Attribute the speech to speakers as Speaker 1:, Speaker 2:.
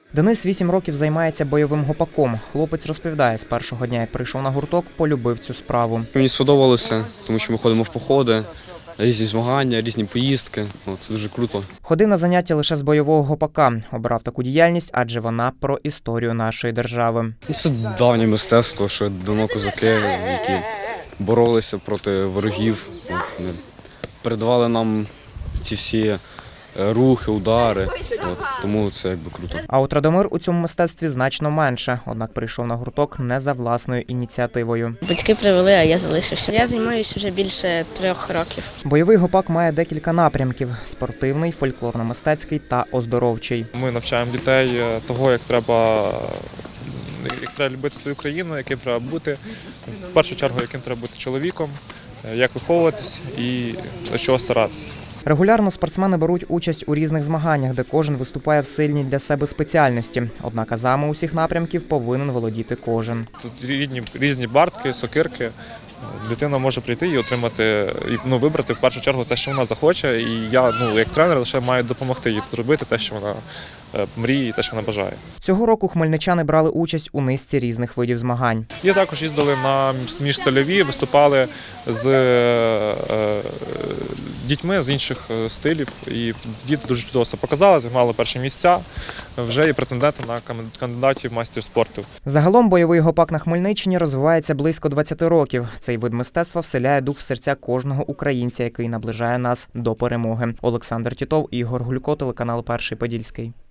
Speaker 1: Денис 8 років займається бойовим гопаком. Хлопець розповідає, з першого дня, як прийшов на гурток, полюбив цю справу.
Speaker 2: Мені сподобалося, тому що ми ходимо в походи, різні змагання, різні поїздки. Це дуже круто.
Speaker 1: Ходив на заняття лише з бойового гопака. Обрав таку діяльність, адже вона про історію нашої держави.
Speaker 2: Це давнє мистецтво, що давно козаки, які боролися проти ворогів. Вони передавали нам ці всі рухи, удари, тому це якби круто.
Speaker 1: А от Радомир у цьому мистецтві значно менше, однак прийшов на гурток не за власною ініціативою.
Speaker 3: Батьки привели, а я залишився. Я займаюся вже більше 3 років.
Speaker 1: Бойовий гопак має декілька напрямків – спортивний, фольклорно-мистецький та оздоровчий.
Speaker 4: Ми навчаємо дітей того, як треба любити свою країну, яким треба бути, в першу чергу, яким треба бути чоловіком, як виховуватись і до чого старатися.
Speaker 1: Регулярно спортсмени беруть участь у різних змаганнях, де кожен виступає в сильній для себе спеціальності. Однак азами усіх напрямків повинен володіти кожен.
Speaker 4: Тут різні бартки, сокирки. Дитина може прийти і отримати, вибрати в першу чергу те, що вона захоче. І я, як тренер, лише маю допомогти їй зробити те, що вона мріє, і те, що вона бажає.
Speaker 1: Цього року хмельничани брали участь у низці різних видів змагань.
Speaker 4: І також їздили на міжстильові, виступали з дітьми з інших стилів. І діти дуже чудово це показали, займали перші місця. Вже є претенденти на кандидатів в майстер спорту.
Speaker 1: Загалом бойовий гопак на Хмельниччині розвивається близько 20 років. Цей вид мистецтва вселяє дух в серця кожного українця, який наближає нас до перемоги. Олександр Тітов, Ігор Гулько, телеканал Перший Подільський.